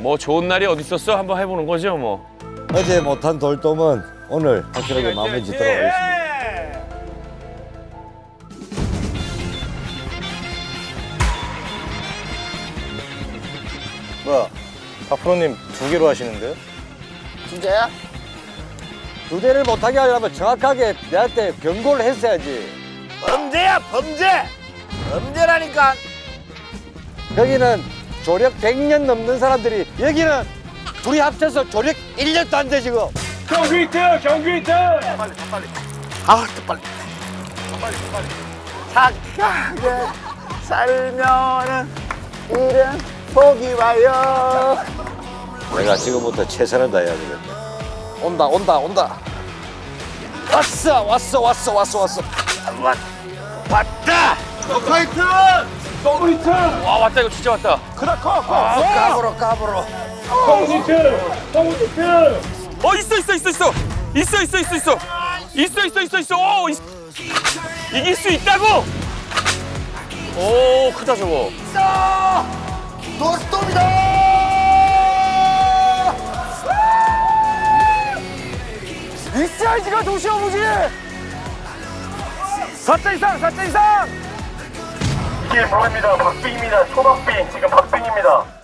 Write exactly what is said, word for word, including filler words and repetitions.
뭐 좋은 날이 어디 있었어? 한번 해보는 거죠 뭐. 어제 못한 돌돔은 오늘 확실하게 마무리 짓도록 하겠습니다. 뭐야, 박프로님 두 개로 하시는데요? 진짜야? 두 대를 못하게 하려면 정확하게 내한테 경고를 했어야지. 범죄야 범죄! 범죄라니까. 여기는 조력 백 년 넘는 사람들이, 여기는 둘이 합쳐서 조력 일 년도 안 돼 지금. 경기 히트! 경기 히트! 빨리 더 빨리. 아, 더 빨리. 더 빨리 더 빨리. 착하게 살면은 일은 복이 와요. 내가 지금부터 최선을 다해야 되겠다. 온다 온다 온다. 왔어 왔어 왔어 왔어 왔어. 왔, 왔다. 파이트! 더블 히트! 와 왔다 이거 진짜 왔다. 그다 커! 커! 아, 까불어 까불어. 더블 히트! 더블 히트! 어 있어 있어 있어 있어 있어 있어 있어 있어 있어 있어 있어 있어. 오 있... 이길 수 있다고. 오 크다 저거. 노스톱이다. 이 사이즈가 도시어부지! 사 자 이상! 사 자 이상! 이게 뭐입니다. 박빙입니다. 초박빙. 지금 박빙입니다.